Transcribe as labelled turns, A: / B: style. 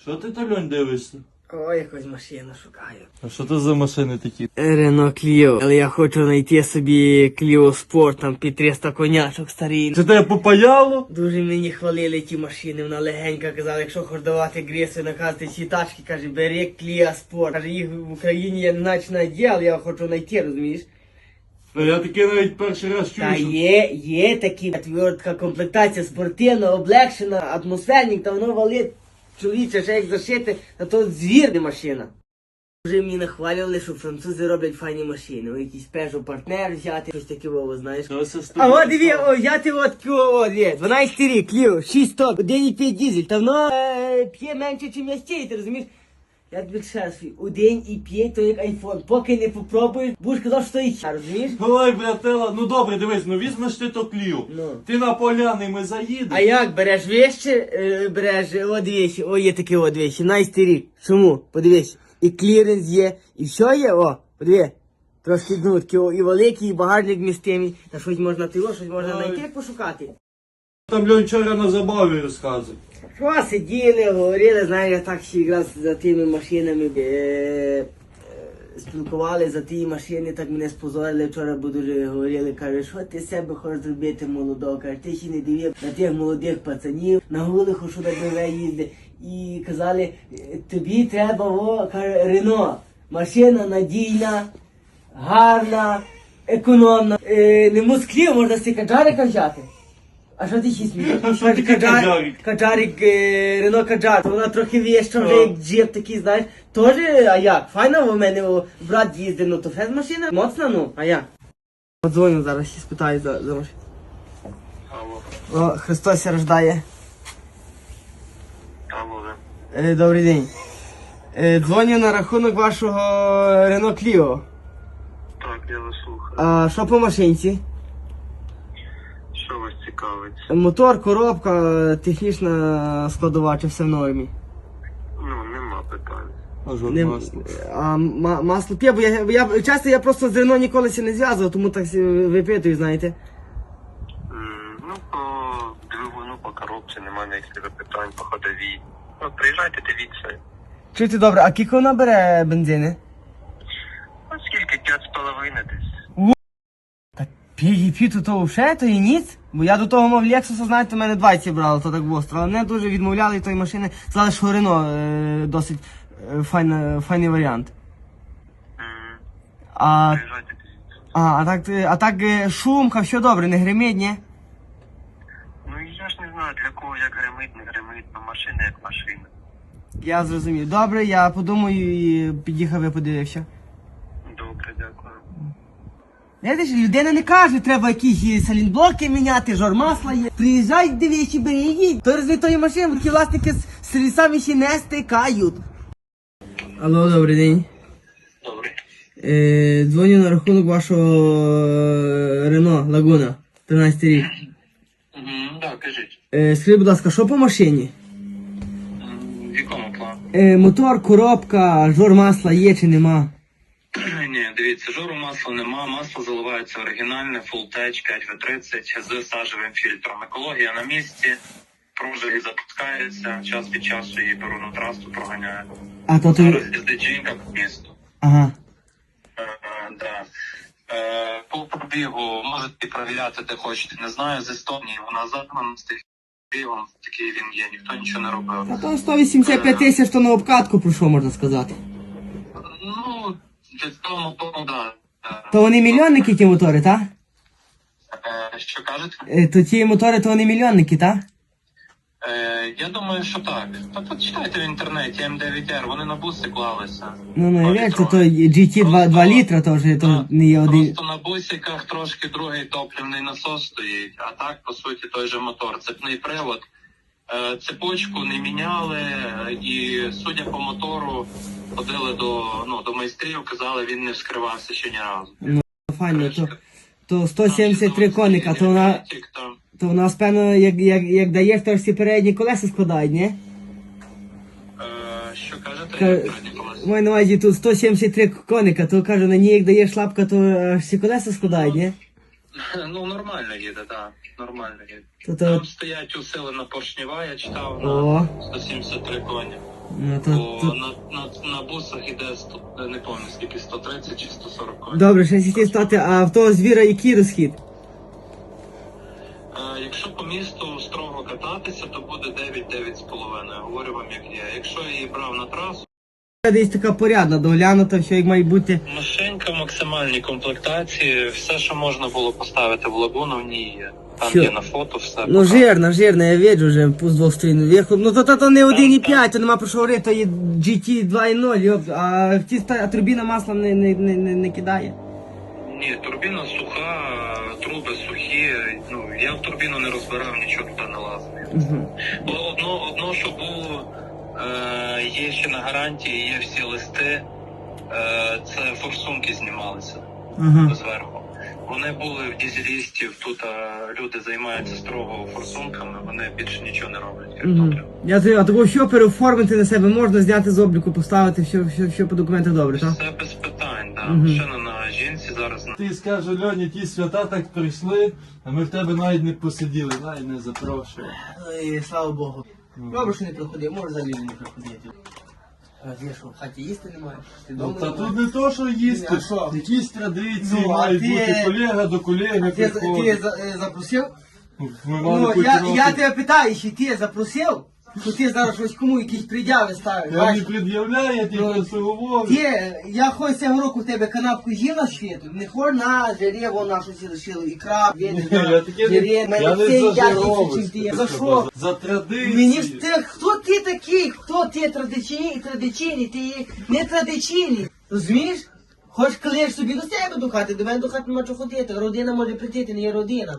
A: Що ти там, Льонь, дивишся?
B: Ой, якусь машину шукаю.
A: А що це за машини такі?
B: Рено Кліо. Але я хочу знайти собі Кліо Спорт, там під 300 конячок старий.
A: Це тебе попаяло?
B: Дуже мені хвалили ті машини, вона легенька казала, якщо хочеш давати гріси, наказати ці тачки, каже, бери Кліо Спорт. Каже, їх в Україні я не наче знайти, але я хочу знайти, розумієш?
A: Я таке навіть перший раз чую,
B: Та
A: що...
B: є такі, така комплектація спортивна, облегшена, атмосферник, та воно валить чоловіче, ще як зашити, а то звірна машина. Вже мені нахвалювали, що французи роблять файні машини. О, якийсь Peugeot партнер взяти, щось таке, знаєш. А от диві, взяти дві, 12 рік, Кліо, 6 тонн, 1,5 дизель, та воно п'є менше, ніж я стій, ти розумієш? Я тобі ще раз, 1,5, то як айфон, поки не попробуєш, будеш казав, що то і розумієш?
A: Ой, братела, ну добре, дивись, ну візьмеш ти то Кліо.
B: Ну.
A: Ти на поляни, ми заїдемо.
B: А як, береш вещи, береш, дивись, є такі вещи, 17 рік, чому, подивись, і кліренс є, і все є, подиви, трошки такі, і великий, і багажник містимий, та щось можна щось можна знайти, як пошукати.
A: Там Льонь вчора на забаві розказує.
B: Що сиділи, говорили, знаєш, я так ще якраз за тими машинами спілкували за ті машини, так мене спозорили вчора, бо дуже говорили, каже, що ти з себе хочеш зробити молодого, каже, ти ще не дивив на тих молодих пацанів, на Гулиху, що на БВ їздить, і казали, тобі треба, каже, Рено, машина надійна, гарна, економна, не Москві, можна з Каджарика взяти. А що ти ще смієш?
A: Що таке Каджарик?
B: Каджарик, Рено Каджар, вона трохи віща вже як джип такий, знаєш. Тоже, а як? Файна в мене брат їздив, ну то фест машина, моцна, ну, а як? Подзвоню зараз, ще спитаю за машину. О, Христос рождає.
C: Алло.
B: Добрий день. Дзвоню на рахунок вашого Рено Кліо.
C: Так, я вас слухаю.
B: А що по машинці?
C: Що вас цікавить?
B: Мотор, коробка, технічна складова, чи все в нормі?
C: Ну, нема питань.
A: А жодне масло.
B: А масло п'є, бо я часто я просто з Рено ніколи не зв'язував, тому так випитую, знаєте.
C: Ну, по двигуну, по коробці нема ніяких питань, по ходовій. Ну, приїжджайте, дивіться.
B: Чуєте добре, а кілько вона бере бензини?
C: Ну, скільки? 5,5 десь.
B: Так п'є то вже, то і ніц. Бо я до того мав Лексуса, знаєте, у мене 20 брало, то так востро. Але мене дуже відмовляли від тої машини. Сказали, що Рено досить файний варіант.
C: Приїжджайте, дивіться.
B: А так шумка, все добре, не гримить, ні?
C: Ну, я ж не знаю, для кого як гримить, не гримить, ну, машина як машина.
B: Я зрозумів. Добре, я подумаю і під'їхав і подивився.
C: Добре, дякую.
B: Знаєте, людина не каже, треба якісь салінблоки міняти, жор масла є. Приїжджай, дивись і бери їдь. То розли тої машини, такі власники з сервісами ще не стикають. Алло, добрий день.
C: Добре.
B: Дзвоню на рахунок вашого Рено Лагуна, 13 рік.
C: Так, кажіть.
B: Скажіть, будь ласка, що по машині?
C: В якому плані?
B: Мотор, коробка, жор масла є чи нема?
C: Ні, дивіться, жору масла нема, масло заливається оригінальне, Full-Tech 5W30 з сажевим фільтром. Екологія на місці, пружини запускається, час від часу її беру на трасу, проганяю.
B: А то
C: Зараз їздить жінка по місту.
B: Ага.
C: Да. По пробігу можете перевіряти, де хочете, не знаю, з Естонії, вона загнана з тих пробігом, такий він є, ніхто нічого не робив.
B: А то 185 тисяч, то на обкатку пройшло, можна сказати.
C: Ну, для того мотору, да.
B: То вони мільйонники, ті мотори, так?
C: Що кажете?
B: То ті мотори, то вони мільйонники, так?
C: Я думаю, що так. Та почитайте в інтернеті М9R, вони на буси клалися.
B: Ну, я вірю, то GT 2 літра, то вже то не є один.
C: Просто на бусиках трошки другий топливний насос стоїть, а так, по суті, той же мотор. Цепний привод. Цепочку не міняли, і, судя по мотору, ходили до майстрів, казали, він не вскривався ще ні разу.
B: Ну, файно, то 173 коника, то вона...
C: Там.
B: То в нас, певно, як дає, то всі передні колеса складають, ні?
C: Що кажете?
B: Маю на увазі тут 173 коника, то кажу, на ній як даєш лапка, то аж всі колеса складають, ні?
C: Ну, нормально їде, так. Нормально їде.
B: То...
C: Там стоять усилена поршнева, я читав,
B: О.
C: на 173 коні.
B: Ну,
C: Бо на бусах іде, не пам'ятаю скільки, 130 чи 140 коней.
B: Добре, ще хотів стати, а в того звіра який розхід?
C: Якщо по місту строго кататися, то буде 9-9,5. Говорю вам як є. Якщо я її брав на трасу,
B: Десь така порядна, доглянута, все як має бути.
C: машинка в максимальній комплектації, все, що можна було поставити в лагуну, в ній є. Там
B: Що?
C: є на фото все.
B: Ну жирна, я бачу вже з двох сторін вверху. Ну то не 1,5, то нема про що говорити, то є GT 2.0, йоп, а турбіна масла не кидає.
C: Ні, турбіна суха, труби сухі. Ну, я в турбіну не розбирав, нічого туди не лазив.
B: Угу.
C: Бо одно, що було, є ще на гарантії, є всі листи, це форсунки знімалися
B: Ага.
C: зверху. Вони були в дізелістів, тут люди займаються строго форсунками, вони більше нічого не роблять, крім
B: Угу.
C: топлива.
B: А такого що переоформити на себе можна, зняти з обліку, поставити, все по документах добре, так?
C: Все без питань, да.
B: Мгм.
C: Машина на жінці зараз.
A: Ти скаже, Льоні, ті свята так прийшли, а ми в тебе навіть не посиділи, навіть не запрошували.
B: Ой, слава Богу. Добре, що не приходив, може взагалі не приходити. Я що, в хаті їсти немає? Ти
A: Ну,
B: дома
A: та
B: немає?
A: тут не то, що їсти,
B: А що?
A: якісь традиції
B: Ну, а
A: мають
B: ти-
A: бути, колега до колеги
B: Ти
A: приходить.
B: запросив?
A: Ми мали
B: Ну,
A: хоч
B: я
A: трохи.
B: тебе питаю, чи ти запросив? Що ти зараз щось кому якісь пред'яви ставиш?
A: Я не
B: бачиш?
A: пред'являю, я тільки
B: Ну,
A: просто говорю.
B: Я хоч цього року в тебе канапку їв на світу, не хор на жире, вона щось лишила, ікра,
A: Ні, я таке не, я не зажировуюсь.
B: За що?
A: За традиції.
B: Мені ж ти, хто ти такий? Хто ти традиційний, ти є не традиційний. Розумієш? Хоч клеєш собі до себе до хати, до мене до хати нема чого ходити. Родина може прийти, ти не є родина.